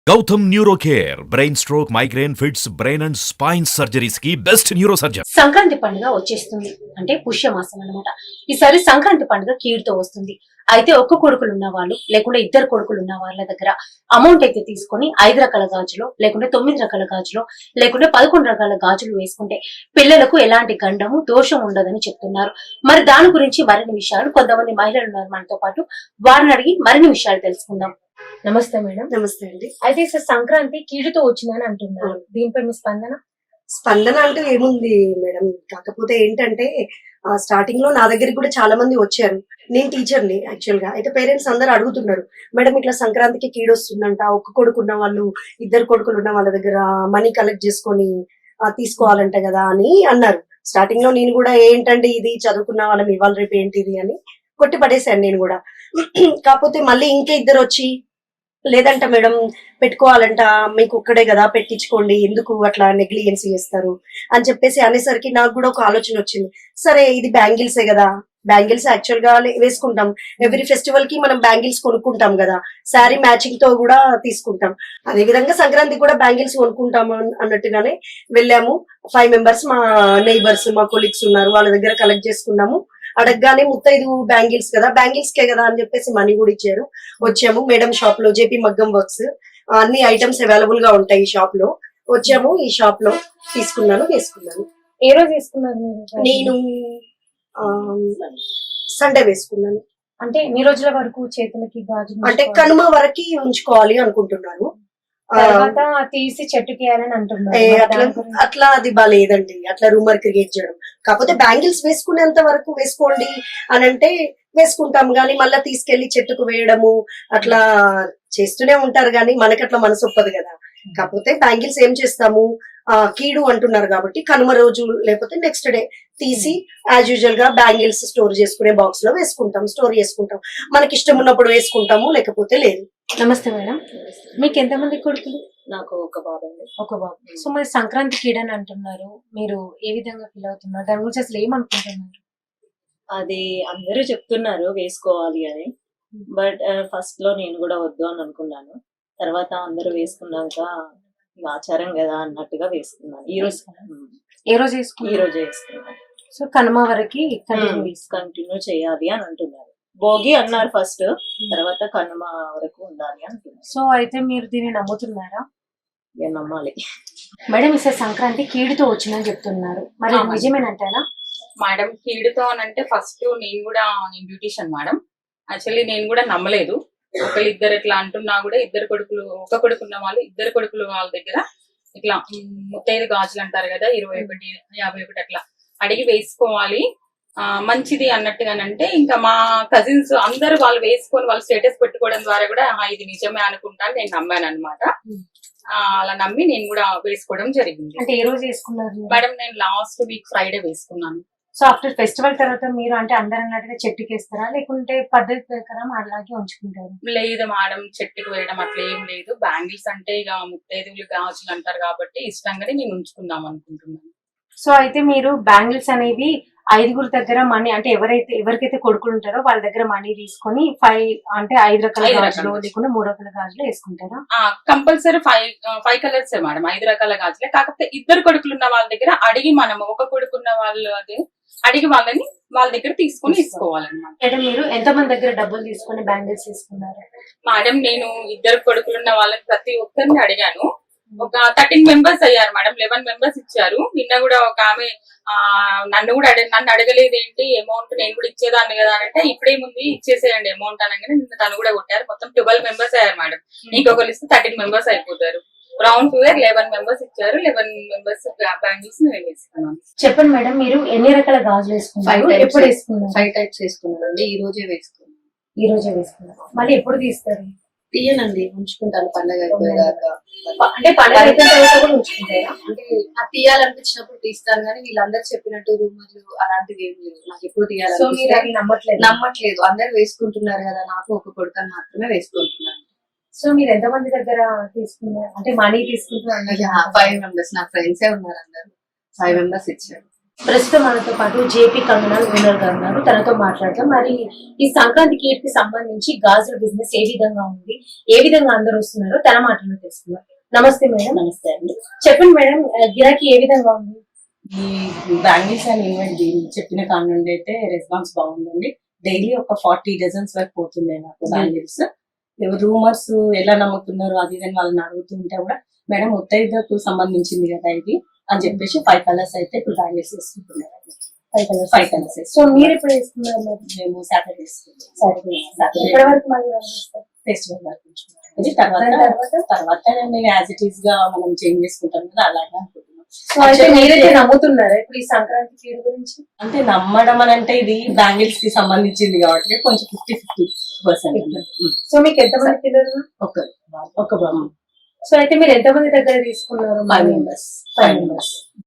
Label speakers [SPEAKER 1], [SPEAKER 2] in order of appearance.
[SPEAKER 1] Gautam neuro care brain stroke migraine fits brain and spine surgeries కి best neuro surgeon.
[SPEAKER 2] Sankranti పండుగ వచ్చేస్తుంది అంటే పుష్యమాసం అన్నమాట. ఈసారి సంక్రాంతి పండుగ కీడుతో వస్తుంది. అయితే ఒక్క కొడుకులు ఉన్న వాళ్ళు లేకుంటే ఇద్దరు కొడుకులు ఉన్న వాళ్ళ దగ్గర అమౌంట్ అయితే తీసుకొని 5 రకాల గాజులు లేకుంటే 9 రకాల గాజులు లేకుంటే 11 రకాల గాజులు వేసుకుంటే పిల్లలకు ఎలాంటి గండము దోషం ఉండదని చెప్తున్నారు. మరి దాని గురించి మరిన్ని విషయాలు కొంతమంది మహిళలు ఉన్నారు మనతో పాటు, వారిని అడిగి మరిన్ని విషయాలు తెలుసుకుందాం. నమస్తే మేడం.
[SPEAKER 3] నమస్తే అండి.
[SPEAKER 2] అయితే సార్ సంక్రాంతి కీడుతో వచ్చిందని అంటున్నారు, దీనిపై మీ స్పందన?
[SPEAKER 3] స్పందన అంటూ ఏముంది మేడం, కాకపోతే ఏంటంటే స్టార్టింగ్ లో నా దగ్గరికి కూడా చాలా మంది వచ్చారు. నేను టీచర్ని యాక్చువల్ గా. అయితే పేరెంట్స్ అందరు అడుగుతున్నారు, మేడం ఇట్లా సంక్రాంతికి కీడు వస్తుందంట, ఒక్క కొడుకున్న వాళ్ళు ఇద్దరు కొడుకులు ఉన్న వాళ్ళ దగ్గర మనీ కలెక్ట్ చేసుకొని తీసుకోవాలంట కదా అని అన్నారు. స్టార్టింగ్ లో నేను కూడా ఏంటంటే ఇది చదువుకున్న వాళ్ళం ఇవాళ రేపు ఏంటిది అని కొట్టి పడేశాను నేను కూడా. కాకపోతే మళ్ళీ ఇంకా ఇద్దరు వచ్చి లేదంట మేడం పెట్టుకోవాలంట, మీకు ఒక్కడే కదా పెట్టించుకోండి, ఎందుకు అట్లా నెగ్లిజెన్స్ చేస్తారు అని చెప్పేసి అనేసరికి నాకు కూడా ఒక ఆలోచన వచ్చింది. సరే ఇది బ్యాంగిల్సే కదా, బ్యాంగిల్స్ యాక్చువల్ గా వేసుకుంటాం, ఎవ్రీ ఫెస్టివల్ కి మనం బ్యాంగిల్స్ కొనుక్కుంటాం కదా, శారీ మ్యాచింగ్ తో కూడా తీసుకుంటాం. అదే విధంగా సంక్రాంతికి కూడా బ్యాంగిల్స్ కొనుక్కుంటాము అన్నట్టుగానే వెళ్ళాము. 5 మెంబర్స్ మా నైబర్స్ మా కొలీగ్స్ ఉన్నారు, వాళ్ళ దగ్గర కలెక్ట్ చేసుకున్నాము. అడగగానే 35 బ్యాంగిల్స్ కదా, బ్యాంగిల్స్ కే కదా అని చెప్పేసి మనీ కూడా ఇచ్చారు. వచ్చాము మేడం షాప్ లో, జేపీ మగ్గం వర్క్స్ అన్ని ఐటమ్స్ అవైలబుల్ గా ఉంటాయి ఈ షాప్ లో. వచ్చాము, ఈ షాప్ లో తీసుకున్నాను, వేసుకున్నాను.
[SPEAKER 2] ఏ రోజు వేసుకున్నారు
[SPEAKER 3] నేను సండే వేసుకున్నాను.
[SPEAKER 2] అంటే ఎన్ని రోజుల వరకు చేతులకి గాజులు
[SPEAKER 3] అంటే కనుమ వరకు ఉంచుకోవాలి అనుకుంటున్నాను.
[SPEAKER 2] తర్వాత తీసి చెట్టుకి వేయాలని అంటున్నారు.
[SPEAKER 3] అట్లా అది బాగాలేదండి, అట్లా రూమర్ క్రియేట్ చేయడం. కాకపోతే బ్యాంగిల్స్ వేసుకునేంత వరకు వేసుకోండి అని అంటే వేసుకుంటాం, కానీ మళ్ళీ తీసుకెళ్లి చెట్టుకు వేయడము అట్లా చేస్తూనే ఉంటారు, కానీ మనకి అట్లా మనసు ఒప్పదు కదా. కాకపోతే బ్యాంగిల్స్ ఏం చేస్తాము, కీడు అంటున్నారు కాబట్టి కనుమ రోజు లేకపోతే నెక్స్ట్ డే తీసి యాజ్ యూజువల్ గా బ్యాంగిల్స్ స్టోర్ చేసుకునే బాక్స్ లో వేసుకుంటాం, స్టోర్ చేసుకుంటాం. మనకి ఇష్టం ఉన్నప్పుడు వేసుకుంటాము, లేకపోతే లేదు.
[SPEAKER 2] నమస్తే మేడం, మీకు ఎంతమంది కొడుకులు?
[SPEAKER 3] నాకు ఒక బాబు అండి.
[SPEAKER 2] ఒక బాబు. సో మరి సంక్రాంతి కీడని అంటున్నారు, మీరు ఏ విధంగా ఫీల్ అవుతున్నారు, దాని గురించి అసలు ఏమనుకుంటున్నారు?
[SPEAKER 4] అది అందరూ చెప్తున్నారు వేసుకోవాలి అని, బట్ ఫస్ట్ లో నేను కూడా వద్దు అని అనుకున్నాను. తర్వాత అందరూ వేసుకున్నాక ఆచారం కదా అన్నట్టుగా వేసుకున్నాను. ఈ రోజు
[SPEAKER 2] ఏ రోజు వేసుకున్నాను?
[SPEAKER 4] ఈ రోజు వేసుకున్నాను.
[SPEAKER 2] సో కనుమ వరకు
[SPEAKER 4] కంటిన్యూ చేయాలి అని అంటున్నారు. భోగి అన్నారు ఫస్ట్, తర్వాత కనుమ వరకు ఉండాలి అంటున్నారు.
[SPEAKER 2] సో అయితే మీరు దీన్ని నమ్ముతున్నారా?
[SPEAKER 4] నమ్మాలి
[SPEAKER 2] మేడం. ఈసారి సంక్రాంతి కీడుతో వచ్చిందని చెప్తున్నారు, మరి నిజమేనంటారా?
[SPEAKER 5] మేడం కీడుతో అని అంటే ఫస్ట్ నేను బ్యూటీషియన్ మేడం. యాక్చువల్లీ నేను కూడా నమ్మలేదు. ఇద్దరు ఇట్లా అంటున్నా కూడా ఇద్దరు కొడుకులు, ఒక కొడుకు ఉన్న వాళ్ళు ఇద్దరు కొడుకులు వాళ్ళ దగ్గర ఇట్లా 35 గాజులు అంటారు కదా, 21, 51 అట్లా అడిగి వేసుకోవాలి మంచిది అన్నట్టుగానంటే, ఇంకా మా కజిన్స్ అందరూ వాళ్ళు వేసుకొని వాళ్ళు స్టేటస్ పెట్టుకోవడం ద్వారా కూడా ఇది నిజమే అనుకుంటాను నేను నమ్మాను అనమాట. అలా నమ్మి నేను కూడా వేసుకోవడం జరిగింది.
[SPEAKER 2] అంటే ఏ రోజు వేసుకున్నారు
[SPEAKER 5] మేడం? నేను లాస్ట్ వీక్ ఫ్రైడే వేసుకున్నాను.
[SPEAKER 2] సో ఆఫ్టర్ ఫెస్టివల్ తర్వాత మీరు అంటే అందరు అన్నట్టుగా చెట్టుకి వేస్తారా, లేకుంటే పద్ధతి ప్రకారం అలాగే ఉంచుకుంటారు?
[SPEAKER 5] లేదు మేడం, చెట్టుకు వేయడం అట్లా ఏం లేదు. బ్యాంగిల్స్ అంటే ఇక 35 గాజులు అంటారు కాబట్టి ఇష్టంగానే నేను ఉంచుకుందాం అనుకుంటున్నాను.
[SPEAKER 2] సో అయితే మీరు బ్యాంగిల్స్ అనేవి 5 దగ్గర మనీ, అంటే ఎవరికైతే కొడుకులు ఉంటారో వాళ్ళ దగ్గర మనీ తీసుకొని 5 రకాల గాజులు లేకుండా 3 రకాల గాజులు వేసుకుంటారా?
[SPEAKER 5] కంపల్సరీ 5 కలర్స్ మేడం, 5 రకాల గాజులే. కాకపోతే ఇద్దరు కొడుకులు ఉన్న వాళ్ళ దగ్గర అడిగి, మనం ఒక కొడుకున్న వాళ్ళు అది అడిగి వాళ్ళని వాళ్ళ దగ్గర తీసుకొని తీసుకోవాలన్నమాట.
[SPEAKER 2] మేడం మీరు ఎంతమంది దగ్గర డబ్బులు తీసుకొని బ్యాంగిల్స్ తీసుకున్నారు?
[SPEAKER 5] మేడం నేను ఇద్దరు కొడుకులున్న వాళ్ళని ప్రతి ఒక్కరిని అడిగాను. ఒక 13 మెంబర్స్ అయ్యారు మేడం. 11 మెంబర్స్ ఇచ్చారు. నిన్న కూడా ఒక ఆమె నన్ను అడగలేదు ఏంటి అమౌంట్, నేను కూడా ఇచ్చేదాన్ని కదా అని అంటే, ఇప్పుడేముంది ఇచ్చేసేయండి అమౌంట్ అనగానే నిన్న తను కూడా కొట్టారు. మొత్తం 12 మెంబర్స్ అయ్యారు మేడం. ఇంకొకరు ఇస్తే 13 మెంబర్స్ అయిపోతారు. రౌండ్ ఫిగర్ 11 మెంబర్స్ ఇచ్చారు. 11 మెంబర్స్ బ్యాంగిల్స్ నేను వేసుకున్నాను.
[SPEAKER 2] చెప్పండి మేడం, మీరు ఎన్ని రకాల గాజులు వేసుకున్నారు? ఎప్పుడు వేసుకున్నారు?
[SPEAKER 4] 5 టైప్స్ వేసుకున్నానండి. ఈ రోజే
[SPEAKER 2] వేసుకున్నారు. మళ్ళీ ఎప్పుడు తీస్తారు?
[SPEAKER 4] తీయనండి, ఉంచుకుంటాను పండగ అయిపోయేదాకా.
[SPEAKER 2] అంటే పండగ అయిపోయిన తర్వాత కూడా ఉంచుకుంటారా?
[SPEAKER 4] అంటే తీయాలనిపించినప్పుడు తీస్తాను, కానీ వీళ్ళందరూ చెప్పినట్టు రూమర్లు అలాంటివి ఏం లేవు. నాకు ఎప్పుడు తీయాలి నమ్మట్లేదు. అందరు వేసుకుంటున్నారు కదా, నాకు ఒక కొడుకు మాత్రమే వేసుకుంటున్నాను.
[SPEAKER 2] సో మీరు ఎంతమంది దగ్గర తీసుకున్నారు, అంటే మనీ తీసుకుంటున్నారు?
[SPEAKER 4] 5 మెంబర్స్ నా ఫ్రెండ్సే ఉన్నారు, అందరు 5 మెంబర్స్ ఇచ్చారు.
[SPEAKER 2] ప్రస్తుతం మనతో పాటు జేపీ కంగనాల్ ఓనర్ గారు ఉన్నారు. తనతో మాట్లాడతాం. మరి ఈ సంక్రాంతి కీర్తి సంబంధించి గాజుల బిజినెస్ ఏ విధంగా ఉంది, ఏ విధంగా అందరూ వస్తున్నారో తన మాటల్లో తెలుసుకున్నారు. నమస్తే మేడం.
[SPEAKER 6] నమస్తే అండి.
[SPEAKER 2] చెప్పండి మేడం, గిరాకీ ఏ విధంగా ఉంది?
[SPEAKER 6] ఈ బ్యాంగిల్స్ అండ్ ఈవెంట్ చెప్పిన కాడ నుండి అయితే రెస్పాన్స్ బాగుందండి. డైలీ ఒక 40 డజన్స్ వరకు పోతున్నాయి నాకు బ్యాంగిల్స్. రూమర్స్ ఎలా నమ్ముతున్నారు అది ఇదని వాళ్ళని అడుగుతుంటే కూడా మేడం ముత్తైదుకు సంబంధించింది కదా ఇది అని చెప్పేసి 5 కలర్స్ అయితే ఇప్పుడు బ్యాంగిల్స్ వేసుకుంటున్నారు. 5 కలర్స్
[SPEAKER 2] సో మీరు ఎప్పుడు వేసుకున్నారు మరి?
[SPEAKER 6] మేము సాటర్డే
[SPEAKER 2] ఇప్పటి వరకు మళ్ళీ
[SPEAKER 6] ఫెస్టివల్ వరకు ఉంచుకున్నాం. ఇది తర్వాత నేను యాజ్ ఇట్ ఈస్ గా మనం చేంజ్ చేసుకుంటాం కదా అలాగే అనుకుంటున్నాం.
[SPEAKER 2] సో అయితే మీరైతే నమ్ముతున్నారా ఇప్పుడు ఈ సంక్రాంతి కీడు గురించి?
[SPEAKER 6] అంటే నమ్మడం అని అంటే ఇది బ్యాంగిల్స్ కి సంబంధించింది కాబట్టి కొంచెం 50-50%.
[SPEAKER 2] సో మీకు ఎంతమంది పిల్లలు?
[SPEAKER 6] ఒక
[SPEAKER 2] సో అయితే మీరు ఎంతమంది దగ్గర తీసుకున్నారు?
[SPEAKER 6] 5 members.